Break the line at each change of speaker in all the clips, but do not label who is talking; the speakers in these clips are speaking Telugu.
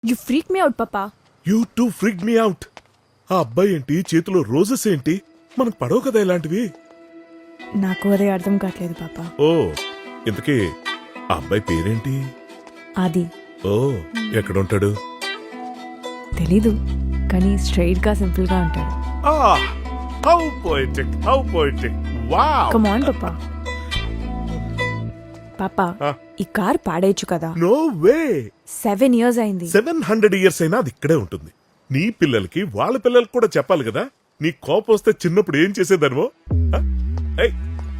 యు ఫ్రీక్ మీ అవుట్ పాపా.
You too freak me out. ఆ అబ్బాయి ఏంటి, చేతిలో రోజెస్ ఏంటి? మనకు పడవు కదా ఇలాంటివి.
నాకు అదే అర్థం కావట్లేదు పాపా.
ఓ, ఇంతకీ ఆ అబ్బాయి పేరేంటి?
అది
ఓ, ఎక్కడుంటాడు?
తెలీదు, కానీ స్ట్రైట్ గా సింపుల్ గా ఉంటాడు.
How poetic, how poetic. Wow.
Come on పాపా. పాపా, ఈ కార్ పాడేయచ్చు కదా.
No way.
7 years అయింది.
700 years అయినా అది ఇక్కడే ఉంటుంది. నీ పిల్లలకి వాళ్ళ పిల్లలకి కూడా చెప్పాలి కదా. నీ కోపం వస్తే చిన్నప్పుడు ఏం చేసేదానివో. ఏయ్,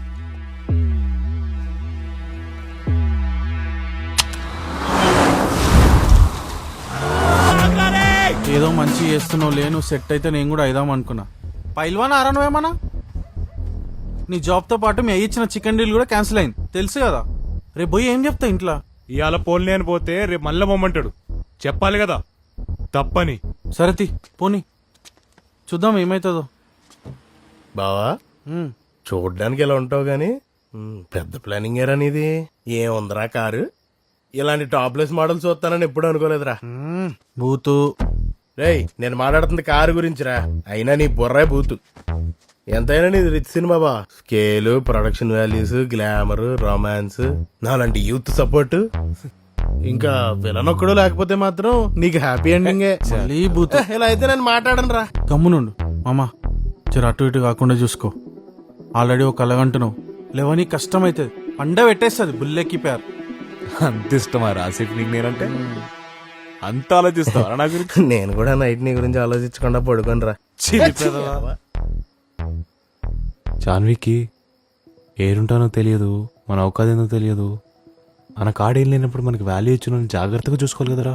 ఏదో మంచి చేస్తున్నావు లేను, సెట్ అయితే నేను కూడా అయిదాం అనుకున్నా. పైల్వాన్ ఆరా నువ్వేమన్నా? నీ జాబ్తో పాటు మీ ఇచ్చిన చికెన్ డీల్ కూడా క్యాన్సిల్ అయింది తెలుసు కదా. రేపు పోయి ఏం చెప్తా ఇంట్లో?
ఇవాళ పోన్లే అని పోతే రేపు మళ్ళా మొమ్మంటాడు. చెప్పాలి కదా తప్పని.
సరే తీ పోనీ, చూద్దాం ఏమైతుందో.
బావా చూడ్డానికి ఎలా ఉంటావు గాని పెద్ద ప్లానింగ్ ఏరా నీది. ఏముందిరా కారు? ఇలాంటి టాప్లెస్ మోడల్ చూస్తానని ఎప్పుడు అనుకోలేదురా.
బూతు.
రేయ్, నేను మాట్లాడుతుంది కారు గురించిరా. అయినా నీ బుర్రే బూతు. ఎంతైనా నీది రిచ్ సినిమా బా. Scale, production values, glamour, romance, నాలాంటి యూత్ సపోర్ట్, ఇంకా విలన్ ఒక్కడు లేకపోతే మాత్రం నీకు హ్యాపీ ఎండింగే.
మళ్ళీ బూతు.
ఇలా అయితే నేను మాట్లాడను రా.
గమ్మునుండు మామా, జర అటు ఇటు కాకుండా చూసుకో. ఆల్రెడీ ఒక కలగంటున్నావు, లేవని కష్టం అవుతుంది. పండ పెట్టేస్తుంది బుల్లెక్కి పేరు.
అంత ఇష్టమా రాసిఫ్ నీకు నేనంటే? అంత ఆలోచిస్తావా నా గురించి?
నేను కూడా నైట్ నీ గురించి ఆలోచించకుండా పడుకోను రా.
జాన్వికి ఏరుంటానో తెలియదు, మన అవకాశం తెలియదు. మన కాడేం లేనప్పుడు మనకి వాల్యూ ఇచ్చిన జాగ్రత్తగా చూసుకోవాలి కదరా.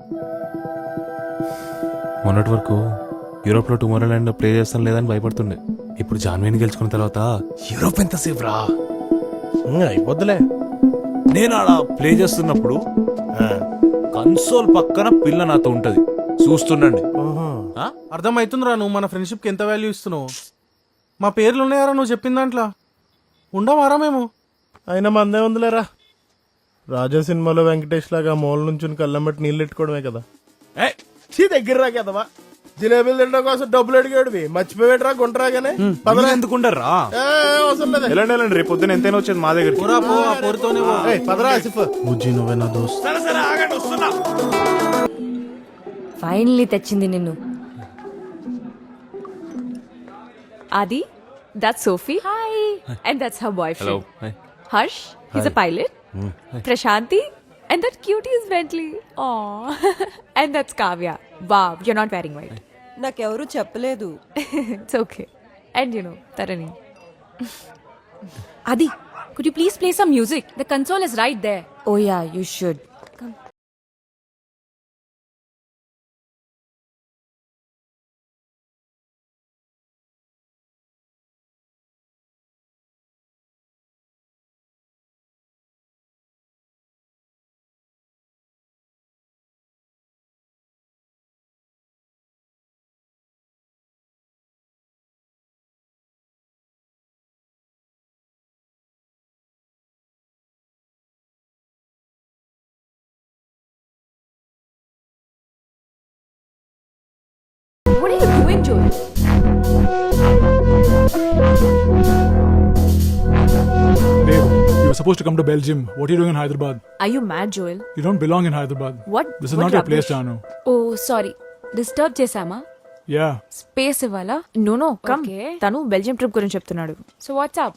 మొన్నటి వరకు యూరోప్ లో టుమారో ల్యాండ్ ప్లే చేస్తాను లేదని భయపడుతుండే. ఇప్పుడు జాన్వీని గెలుచుకున్న తర్వాత యూరోప్ ఎంతసేపు రా
అయిపోద్దులే.
నేను అలా ప్లే చేస్తున్నప్పుడు కన్సోల్ పక్కన పిల్ల నాతో ఉంటది, చూస్తుండండి.
అర్థమవుతుందిరా నువ్వు మన ఫ్రెండ్షిప్ కి ఎంత వాల్యూ ఇస్తున్నావు. మా పేర్లు ఉన్నాయారా నువ్వు చెప్పిన దాంట్లో? ఉండవారా మేము?
అయినా మందే ఉందిలేరా. రాజా సినిమాలో వెంకటేష్ లాగా మూల నుంచి కళ్ళం బట్టి నీళ్ళు ఎట్టుకోవడమే కదా. దగ్గర రా కదవా. జిలేబీలు తినడం కోసం డబ్బులు అడిగాడు, మర్చిపోయాడురా గుంటరాగానే.
ఎందుకుంటారా
అవసరం లేదు.
వెళ్ళండి, రేపు పొద్దున ఎంతైనా వచ్చేది మా దగ్గర.
పదరా ఆసిఫ్.
బుజ్జి నువ్వే నా దోస్త్.
ఫైనల్లీ తెచ్చింది నిన్ను. Adi, that's Sophie. Hi. And that's her boyfriend.
Hello. Hi.
Harsh, he's a pilot. Prashanti, and that cutie is Bentley. Aww. And that's Kavya. Wow, you're not wearing white.
నాకెవరూ చెప్పలేదు.
It's okay. And you know, Tarani. Adi, could you please play some music? The console is right there. Oh yeah, you should. Come. What are you doing, Joel?
Babe, you were supposed to come to Belgium. What are you doing in Hyderabad?
Are you mad, Joel?
You don't belong in Hyderabad.
What?
This is
What
not your place,
rubbish?
Janu.
Oh, sorry. Disturb చేసామా?
Yeah.
స్పేస్ ఇవ్వాలా? No come. తను బెల్జియం ట్రిప్ గురించి చెప్తున్నాడు. So what's up?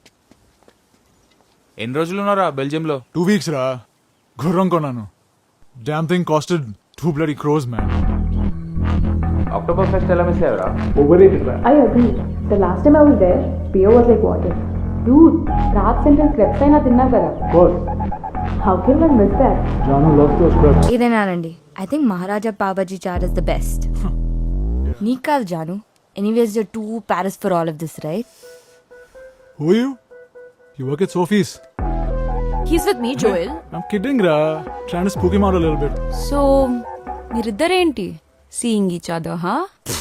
ఎన్ని రోజులు ఉన్నారా బెల్జియంలో?
2 weeks, ra. Gurram konanu. Damn thing costed 2 bloody crores, man.
Oktoberfest ఎలా మిస్ అయ్యారా?
Overrated, ra.
I agree. The last time I was there, beer was like water. Dude, Prague Central crepes అయినా తిన్నా కదా.
Of course.
How can one miss that?
Janu loves those crepes.
ఇదేనానండి. I think Maharaja Pavji chaat is the best. నీకు కాదు Janu. Anyways you're to Paris for all of this, right?
Who are you? You work at Sophie's.
He's with me, Joel.
I'm kidding, ra. Trying to spook him out a little bit.
So మీరిద్దరేంటి సీయింగ్ ఈచ్ అదర్, హా?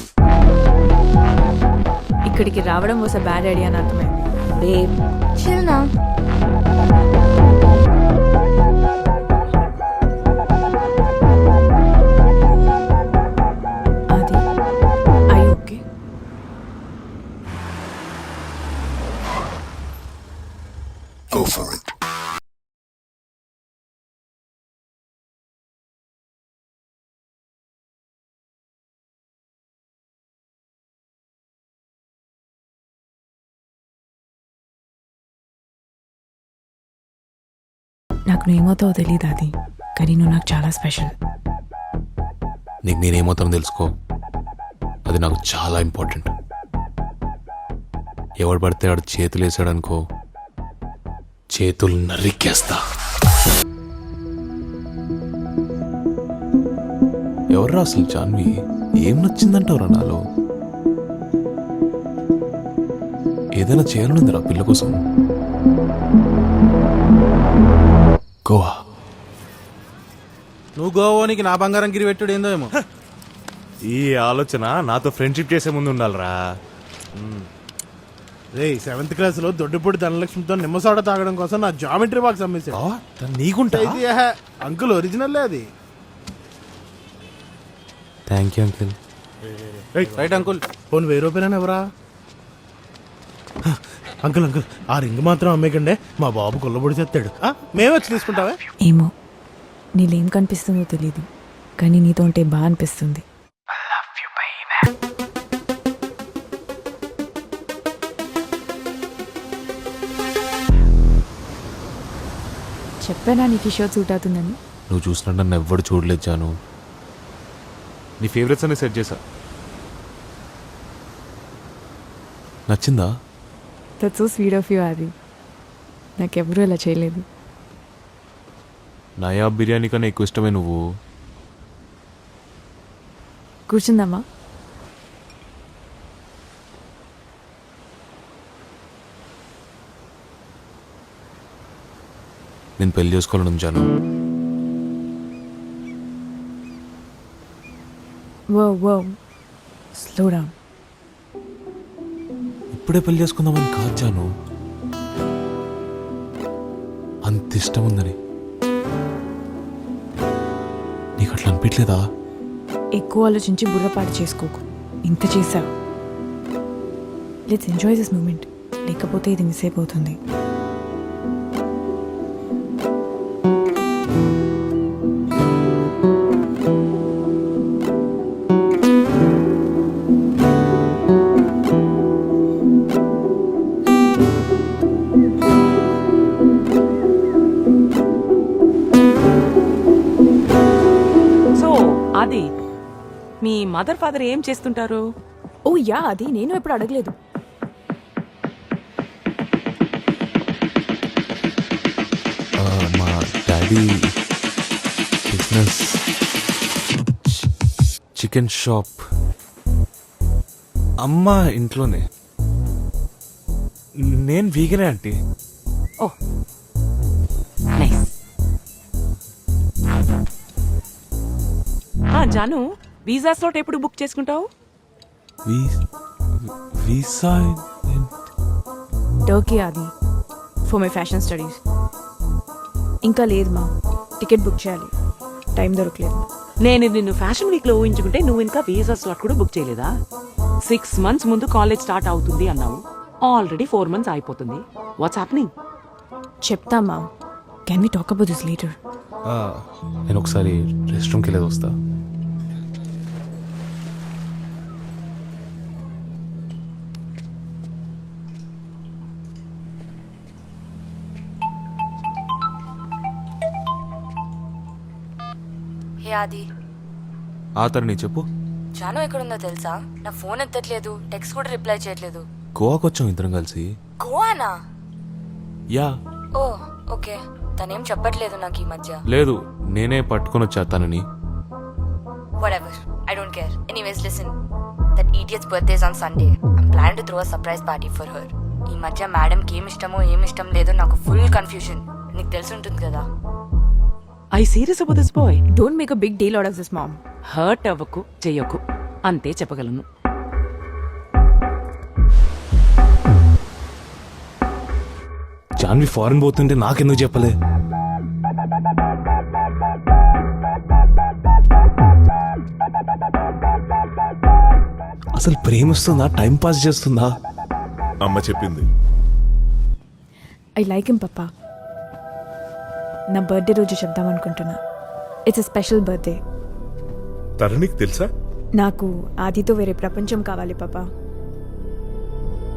ఇక్కడికి రావడం వాస్ అ బ్యాడ్ ఐడియా అని అర్థమైంది.
బేబ్ చిల్ నా.
నాకు నువ్వేమవుతావో తెలియదు అది, కానీ నువ్వు నాకు చాలా స్పెషల్.
నీకు నేనేమవుతానో తెలుసుకో, అది నాకు చాలా ఇంపార్టెంట్. ఎవడు పడితే వాడు చేతులు వేసాడనుకో, చేతులు నరికేస్తా. ఎవర్రా అసలు జాన్వి? ఏం నచ్చిందంటావురా నాలో? ఏదైనా చేయాలనుందిరా పిల్ల కోసం. గోవా.
నువ్వు గోవానికి నా బంగారం గిరి పెట్టుడు ఏందో ఏమో.
ఈ ఆలోచన నాతో ఫ్రెండ్షిప్ చేసే ముందు ఉండాలిరా.
రే 7th క్లాస్ లో దొడ్డిపూడి ధనలక్ష్మితో నిమ్మసోడ తాగడం కోసం నా జామెట్రీ బాక్స్ అమ్మేశాడు.
నీకుంటా?
అంకుల్ ఒరిజినల్ అది.
Thank you uncle.
Right uncle.
పోను 1000 రూపాయలని ఎవరా? అంకుల్ అంకుల్ ఆ రింగ్ మాత్రం అమ్మేకండే, మా బాబు కొల్లబొడి చేస్తాడు. మేము వచ్చి తీసుకుంటావా?
ఏమో నీళ్ళేం కనిపిస్తుందో తెలీదు, కానీ నీతో ఉంటే బాగా అనిపిస్తుంది. చెప్పానా నీకు ఈ షర్ట్ సూట్ అవుతుందని?
నువ్వు చూసినట్టు నన్ను ఎవ్వడు చూడలేదు జాను. నీ ఫేవరెట్స్ అన్ని సెట్ చేశా. నచ్చిందా?
That's so sweet of you Adi. నాకెవరూ అలా చేయలేదు.
నయాబ్ బిర్యానీ కన్నా ఎక్కువ ఇష్టమే నువ్వు.
కూర్చుందామా?
నేను పెళ్లి చేసుకోవాలని జాను.
వో స్లో డౌన్.
ఇప్పుడే పెళ్లి చేసుకుందామని కాదు జాను, అంత ఇష్టం ఉందని. నీకు అట్లా అనిపించలేదా?
ఎక్కువ ఆలోచించి బుర్రపాటు చేసుకోకు. ఇంత చేసావు. లెట్స్ ఎంజాయ్ దిస్ మూమెంట్, లేకపోతే ఇది మిస్ అయిపోతుంది.
అది మీ మదర్ ఫాదర్ ఏం చేస్తుంటారు?
ఓ యా, అది నేను ఎప్పుడు అడగలేదు.
మా డాడీ బిజినెస్ చికెన్ షాప్. అమ్మ ఇంట్లోనే. నేను వీగనే aunty.
Oh nice. Janu, visa slot ఎప్పుడు బుక్ చేసుకుంటావు?
వీసా
టర్కీ అది, ఫర్ మై ఫ్యాషన్ స్టడీస్. ఇంకా లేదు మా, టికెట్ బుక్ చేయాలి, టైం దొరకలేదు.
నేను నిన్ను ఫ్యాషన్ వీక్ లో ఊహించుకుంటే నువ్వు ఇంకా వీసా స్లాట్ కూడా బుక్ చేయలేదా? 6 months ముందు కాలేజ్ స్టార్ట్ అవుతుంది అన్నావు. ఆల్రెడీ 4 months అయిపోతుంది. What's happening?
చెప్తా మా, can we talk about this later?
నేను ఒకసారి రెస్ట్ రూమ్కి వెళ్ళేది వస్తా.
హే ఆది.
తరుణి చెప్పు.
జాను ఎక్కడుందో తెలుసా? నా ఫోన్ ఎత్తట్లేదు, టెక్స్ట్ కూడా రిప్లై చేయట్లేదు.
గోవాకి వచ్చాం ఇద్దరం కలిసి.
గోవానా?
యా.
Oh okay. తనేం చెప్పట్లేదు నాకు ఈ మధ్య.
లేదు, నేనే పట్టుకొని వచ్చా తనని.
Whatever, I don't care. Anyways, listen. That idiot's birthday is on Sunday. I'm planning to throw a surprise party for her. ఈ మధ్య మేడంకి ఏమి ఇష్టం లేదో నాకు ఫుల్ కన్ఫ్యూజన్. నీకు తెలిసి ఉంటుంది కదా.
I serious about this boy.
Don't make a big deal out of this mom.
Hurt అవ్వకు, చెయ్యకు, అంతే చెప్పగలను.
జాన్వి ఫారెన్ పోతుంటే నాకెందుకు చెప్పలే? అసలు ప్రేమిస్తుందా, టైం పాస్ చేస్తుందా?
అమ్మ చెప్పింది.
I like him papa. నా బర్త్డే రోజు చెప్దాం అనుకుంటున్నా. It's a special birthday.
తరుణికి తెలుసా?
నాకు ఆదితో వేరే ప్రపంచం కావాలి పాపా.